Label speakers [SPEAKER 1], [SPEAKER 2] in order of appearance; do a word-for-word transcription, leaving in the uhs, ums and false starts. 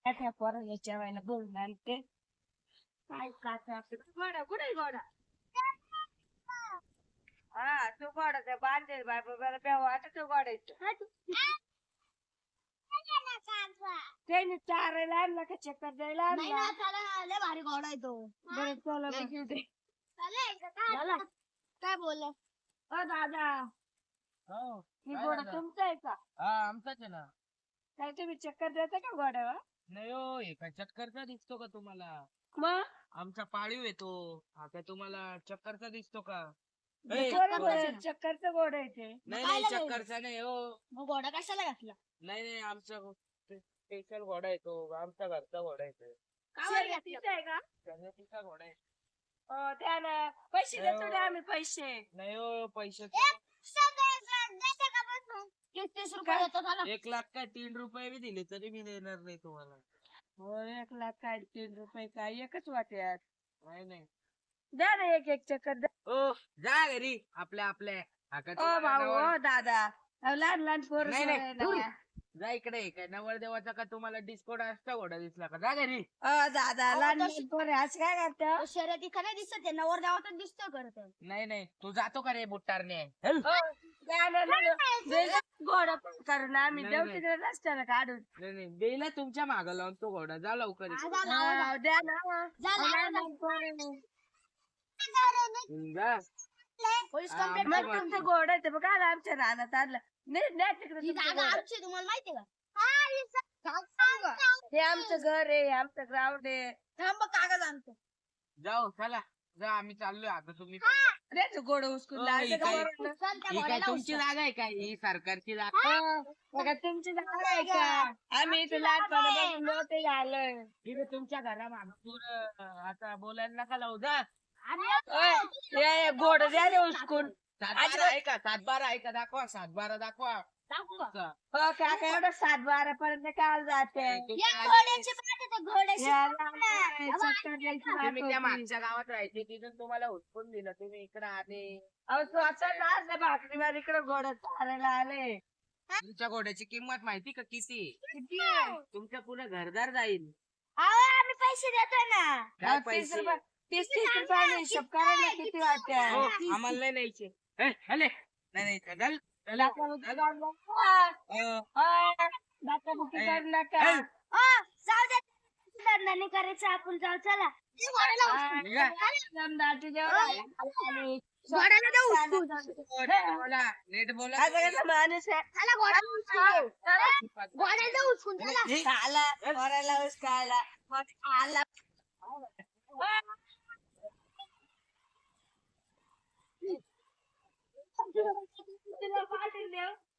[SPEAKER 1] त्या पोराला जेवायला बोलून आणते. काय काचा घोडा कुठे घोडा? हा तू घोडा त्या बांधेल बाय बाबा बेवा आता तू घोडायचं त्याने चारायला आणला का चक्कर द्यायला आणला.
[SPEAKER 2] भारी घोडा आहे तो.
[SPEAKER 1] बरं चला बघू दे.
[SPEAKER 2] काय बोल
[SPEAKER 1] ओ दादा
[SPEAKER 3] हो
[SPEAKER 1] ही
[SPEAKER 3] काय
[SPEAKER 1] घोडा
[SPEAKER 3] झालं?
[SPEAKER 1] तुमचा आहे का?
[SPEAKER 3] हा आमचाच आहे ना.
[SPEAKER 1] काय तुम्ही चक्कर देता का घोड्यावर?
[SPEAKER 3] नाही हो हे काय चक्करचा दिसतो का तुम्हाला?
[SPEAKER 1] मग
[SPEAKER 3] आमचा पाळीव येतो हा काय तुम्हाला चक्करचा दिसतो का? ए,
[SPEAKER 1] बरोबर
[SPEAKER 3] घोडा-
[SPEAKER 1] आहे, चक्करचं घोडा आहे ते.
[SPEAKER 3] नाही
[SPEAKER 2] काय
[SPEAKER 3] नाही
[SPEAKER 2] लागलं?
[SPEAKER 3] चक्करचा नाही हो.
[SPEAKER 2] मग घोडा कशाला घातला?
[SPEAKER 3] नाही नाही आमचा स्पेशल घोडा येतो आमचा घरचा घोडा येतो.
[SPEAKER 1] शर्यतीचं आहे का?
[SPEAKER 3] शर्यतीचा घोडा आहे.
[SPEAKER 1] हो त्यानं पैसे देतो ना आम्ही पैसे.
[SPEAKER 3] नाही हो पैसे
[SPEAKER 2] तीस तीस रुपये देतो त्याला.
[SPEAKER 3] एक लाख काय तीन रुपये बी दिले तरी मी देणार नाही तुम्हाला.
[SPEAKER 1] हो एक लाख काय तीन रुपये काय एकच वाट्यात.
[SPEAKER 3] नाही नाही
[SPEAKER 1] द्या ना एक एक चक्कर द्या.
[SPEAKER 3] ओ जा घरी आपल्या आपल्या हा काय
[SPEAKER 1] ओ
[SPEAKER 3] तुम्हाला
[SPEAKER 1] भाऊ
[SPEAKER 3] नवल-
[SPEAKER 1] ओ दादा अहो, लहान लहान पोर
[SPEAKER 3] नाही, नाही, दूर. जा इकडे काय नवल देवाचा का तुम्हाला डिस्को डान्सचा घोडा दिसला का? जा घरी.
[SPEAKER 1] ओ दादा
[SPEAKER 2] अहो,
[SPEAKER 1] लहान
[SPEAKER 2] तो
[SPEAKER 1] लहान पोर आज काय करता?
[SPEAKER 2] तो शर्यती का नाही दिसत आहे नवर देवातच दिसतो करत.
[SPEAKER 3] नाही नाही तू जातो का रे बुट्टारने?
[SPEAKER 1] घोडा करून आम्ही
[SPEAKER 3] नाही,
[SPEAKER 1] देऊ
[SPEAKER 3] नाही.
[SPEAKER 1] तिकडे रस्त्याला काढून.
[SPEAKER 3] नाही नाही बेला तुमच्या माग लावून तो घोडा जा लवकर इकडे.
[SPEAKER 2] जा, लावा, जा.
[SPEAKER 1] अहो, द्या ना
[SPEAKER 2] जा,
[SPEAKER 1] अहो,
[SPEAKER 2] लावा,
[SPEAKER 1] लहान
[SPEAKER 2] जा.
[SPEAKER 1] लहान पोरं आहे.
[SPEAKER 3] हम्म, जा.
[SPEAKER 2] पोलीस
[SPEAKER 3] हा,
[SPEAKER 2] कंप्लेंट
[SPEAKER 3] आमचं
[SPEAKER 1] मग तुमचं घोडा आहे ते बघा ना आमच्या रानात आणलं. नाही नाही तिकडे
[SPEAKER 2] ही
[SPEAKER 1] तुमचं
[SPEAKER 2] जागा
[SPEAKER 1] घोडं.
[SPEAKER 2] आमची आहे, तुम्हाला माहितीये का?
[SPEAKER 1] हे आमचं घर आहे आमचं ग्राउंड आहे.
[SPEAKER 2] थांब कागद आणतो.
[SPEAKER 3] जाओ चला जा आम्ही चाललोय आता तुम्ही
[SPEAKER 1] रे तू घोडं उचकून
[SPEAKER 3] ओ,
[SPEAKER 1] लावायचं
[SPEAKER 3] ही
[SPEAKER 1] का
[SPEAKER 3] काय-
[SPEAKER 1] वरून?
[SPEAKER 2] चल त्या
[SPEAKER 3] ही काय
[SPEAKER 2] घोड्याला
[SPEAKER 3] तुमची
[SPEAKER 2] उचल.
[SPEAKER 3] जागा आहे काय? ही सरकारची जागा.
[SPEAKER 1] हा, बघा तुमची जागा आहे का? आम्ही इथे लहानपणापासून मोठे झालोय.
[SPEAKER 3] तिथे तुमच्या घरा माग आता बोलायला नका लावू जा.
[SPEAKER 1] ओय, हे घोडं द्या रे उचकून.
[SPEAKER 3] सातबारा आहे का? सातबारा आहे का? दाखवा सातबारा दाखवा.
[SPEAKER 2] दाखवू का?
[SPEAKER 3] तुमचा.
[SPEAKER 1] हो काका एवढं सात बारा पर्यंत काल जाते.
[SPEAKER 3] तुम्ही
[SPEAKER 2] या
[SPEAKER 3] आले-
[SPEAKER 2] घोड्याची पाठ आहे, त्या घोड्याची
[SPEAKER 1] या
[SPEAKER 2] पाठ
[SPEAKER 1] लहान
[SPEAKER 2] आहे.
[SPEAKER 1] पोरं चक्कर द्यायची बात
[SPEAKER 3] तुम्ही त्या
[SPEAKER 1] होती.
[SPEAKER 3] मागच्या गावात राहायचे तिथून तुम्हाला हुसकून दिलं तुम्ही इकडे आले.
[SPEAKER 1] अहो स्वतः लाज भाकरीवर इकडे घोडं चालायला आले.
[SPEAKER 3] तुमच्या घोड्याची किंमत माहिती का किती?
[SPEAKER 1] किती आहे?
[SPEAKER 3] तुमच्या पुढे घरदार जाईल.
[SPEAKER 2] अहो, आम्ही पैसे देतो ना.
[SPEAKER 3] काय
[SPEAKER 1] अहो, तीस
[SPEAKER 3] पैसे?
[SPEAKER 1] रुपये तीस तीस रुपयाने हिशोब करायला किती
[SPEAKER 3] हो,
[SPEAKER 1] वाटते?
[SPEAKER 3] आम्हाला नाही न्यायचे. ए, हले. नाही नाही चल, चल.
[SPEAKER 1] दाखवाबुकी
[SPEAKER 3] चल.
[SPEAKER 1] करू नका.
[SPEAKER 3] अ,
[SPEAKER 1] ओय, दाखवाबुकी
[SPEAKER 3] ए,
[SPEAKER 1] करू नका.
[SPEAKER 3] ए,
[SPEAKER 2] ओ, जाऊ दे. धंदा नाही करायचा आपण जाऊ चला. ते घोड्याला उचल.
[SPEAKER 3] निघा.
[SPEAKER 1] समजाची जेवढं आहे. आणि
[SPEAKER 2] घोड्याला दे उचलून.
[SPEAKER 3] नीट बोला नीट बोला.
[SPEAKER 1] आता कसं माणूस आहे?
[SPEAKER 2] चला घोड्याला उचलून. घोड्याला दे उचलून चला.
[SPEAKER 3] हे,
[SPEAKER 1] खाला, पोराला उचकायला. मग खाला. तुला पाटील देव